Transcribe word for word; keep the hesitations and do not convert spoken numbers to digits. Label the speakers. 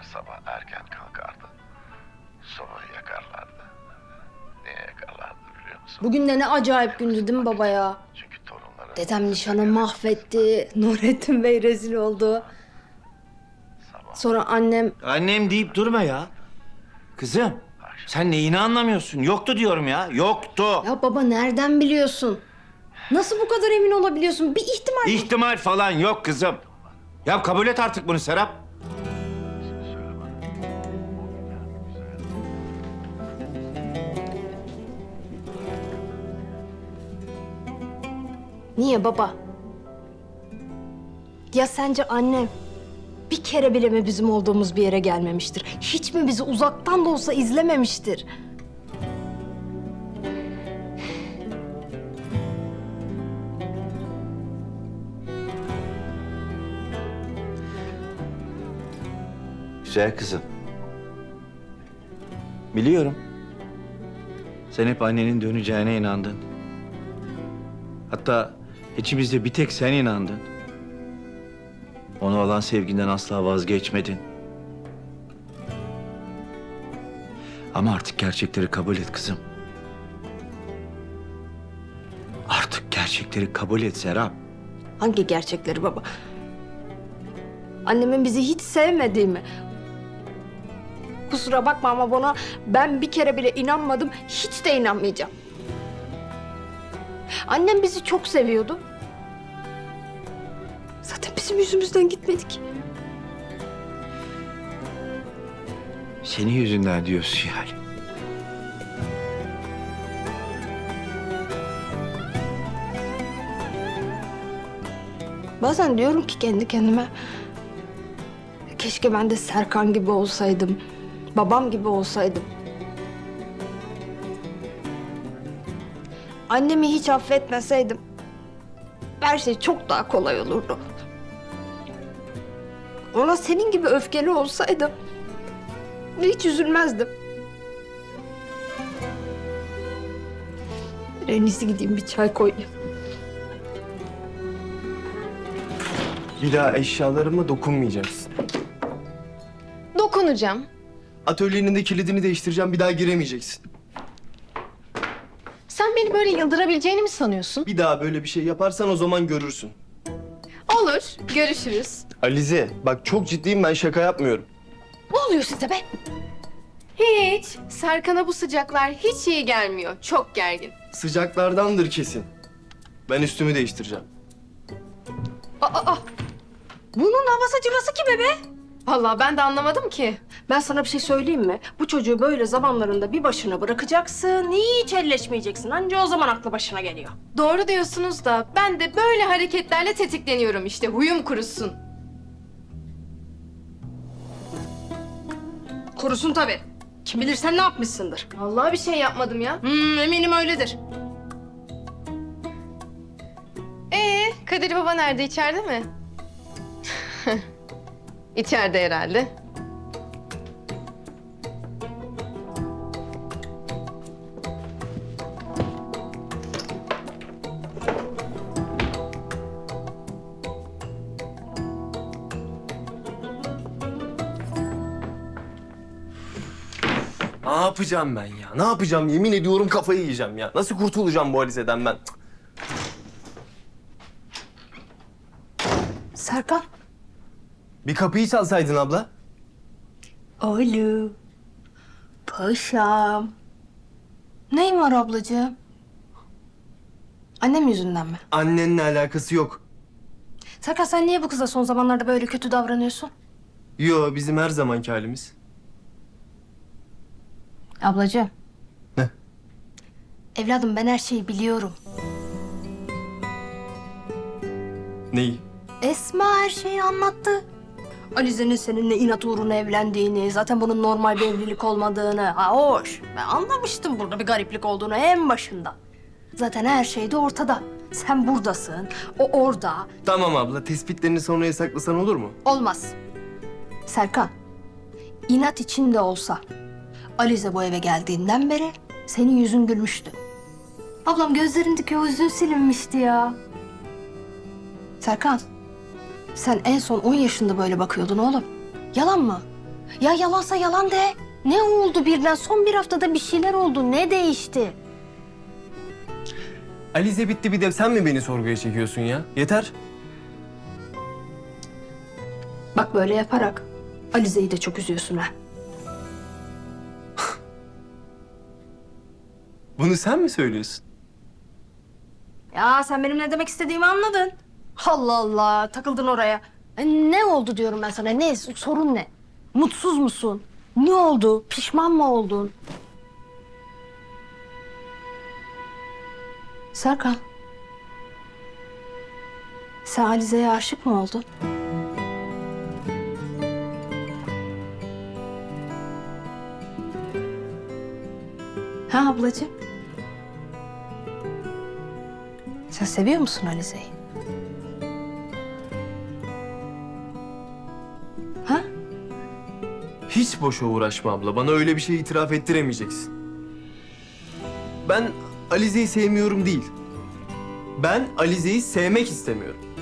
Speaker 1: her sabah erken kalkardı. Sobayı yakarlardı. Niye yakarlardı biliyor musun?
Speaker 2: Bugün de ne acayip gündü değil mi baba ya?
Speaker 1: Çünkü torunları...
Speaker 2: Dedem nişanı mahvetti. Nurettin Bey rezil oldu.
Speaker 1: Sabah
Speaker 2: Sonra annem...
Speaker 3: Annem deyip durma ya. Kızım, sen neyini anlamıyorsun? Yoktu diyorum ya, yoktu.
Speaker 2: Ya baba nereden biliyorsun? Nasıl bu kadar emin olabiliyorsun? Bir ihtimal...
Speaker 3: İhtimal falan yok kızım. Ya kabul et artık bunu Serap.
Speaker 2: Niye baba? Ya sence annem bir kere bile mi bizim olduğumuz bir yere gelmemiştir? Hiç mi bizi uzaktan da olsa izlememiştir?
Speaker 3: Güzel kızım. Biliyorum. Sen hep annenin döneceğine inandın. Hatta içimizde bir tek sen inandın. Ona olan sevginden asla vazgeçmedin. Ama artık gerçekleri kabul et kızım. Artık gerçekleri kabul et Serap.
Speaker 2: Hangi gerçekleri baba? Annemin bizi hiç sevmediği mi? Kusura bakma ama buna ben bir kere bile inanmadım, hiç de inanmayacağım. Annem bizi çok seviyordu. Zaten bizim yüzümüzden gitmedik.
Speaker 3: Senin yüzünden diyorsun yani.
Speaker 2: Bazen diyorum ki kendi kendime... Keşke ben de Serkan gibi olsaydım. Babam gibi olsaydım. Annemi hiç affetmeseydim... Her şey çok daha kolay olurdu. Ona senin gibi öfkeli olsaydım... Hiç üzülmezdim. En iyisi gideyim bir çay koyayım.
Speaker 4: Bir daha eşyalarıma dokunmayacaksın.
Speaker 5: Dokunacağım.
Speaker 4: Atölyenin de kilidini değiştireceğim, bir daha giremeyeceksin.
Speaker 5: Sen beni böyle yıldırabileceğini mi sanıyorsun?
Speaker 4: Bir daha böyle bir şey yaparsan o zaman görürsün.
Speaker 5: Olur, görüşürüz.
Speaker 4: Alize, bak çok ciddiyim, ben şaka yapmıyorum.
Speaker 5: Ne oluyor size be? Hiç. Serkan'a bu sıcaklar hiç iyi gelmiyor. Çok gergin.
Speaker 4: Sıcaklardandır kesin. Ben üstümü değiştireceğim.
Speaker 5: Aa, aa.
Speaker 2: Bunun havası cıvası kime be?
Speaker 5: Vallahi ben de anlamadım ki.
Speaker 2: Ben sana bir şey söyleyeyim mi? Bu çocuğu böyle zamanlarında bir başına bırakacaksın, hiç elleşmeyeceksin. Anca o zaman aklı başına geliyor.
Speaker 5: Doğru diyorsunuz da ben de böyle hareketlerle tetikleniyorum işte. Huyum kurusun.
Speaker 2: Kurusun tabii. Kim bilir sen ne yapmışsındır.
Speaker 5: Vallahi bir şey yapmadım ya.
Speaker 2: Hmm, eminim öyledir.
Speaker 5: Ee, Kadir Baba nerede? İçeride mi? İçeride herhalde.
Speaker 4: Ne yapacağım ben ya? Ne yapacağım? Yemin ediyorum kafayı yiyeceğim ya. Nasıl kurtulacağım bu Alize'den ben? Cık.
Speaker 2: Serkan.
Speaker 4: Bir kapıyı çalsaydın abla.
Speaker 2: Oğlum. Paşam. Neyin var ablacığım? Annem yüzünden mi?
Speaker 4: Annenle alakası yok.
Speaker 2: Serkan sen niye bu kıza son zamanlarda böyle kötü davranıyorsun?
Speaker 4: Yo, bizim her zamanki halimiz.
Speaker 2: Ablacığım.
Speaker 4: Ne?
Speaker 2: Evladım ben her şeyi biliyorum.
Speaker 4: Neyi?
Speaker 2: Esma her şeyi anlattı. Alize'nin seninle inat uğruna evlendiğini, zaten bunun normal bir evlilik olmadığını. Ha hoş. Ben anlamıştım burada bir gariplik olduğunu en başında. Zaten her şey de ortada. Sen buradasın, o orada.
Speaker 4: Tamam abla, tespitlerini sonraya saklasan olur mu?
Speaker 2: Olmaz. Serkan, inat içinde olsa Alize bu eve geldiğinden beri senin yüzün gülmüştü. Ablam gözlerindeki o hüzün silinmişti ya. Serkan, sen en son on yaşında böyle bakıyordun oğlum. Yalan mı? Ya yalansa yalan de. Ne oldu birden? Son bir haftada bir şeyler oldu. Ne değişti?
Speaker 4: Alize bitti, bir de sen mi beni sorguya çekiyorsun ya? Yeter.
Speaker 2: Bak böyle yaparak Alize'yi de çok üzüyorsun ha.
Speaker 4: Bunu sen mi söylüyorsun?
Speaker 2: Ya sen benim ne demek istediğimi anladın. Allah Allah, takıldın oraya. E, ne oldu diyorum ben sana? Ne? Sorun ne? Mutsuz musun? Ne oldu? Pişman mı oldun? Serkan. Sen Alize'ye aşık mı oldun? Ha ablacığım? Sen seviyor musun Alize'yi? Ha?
Speaker 4: Hiç boşa uğraşma abla. Bana öyle bir şey itiraf ettiremeyeceksin. Ben Alize'yi sevmiyorum değil. Ben Alize'yi sevmek istemiyorum.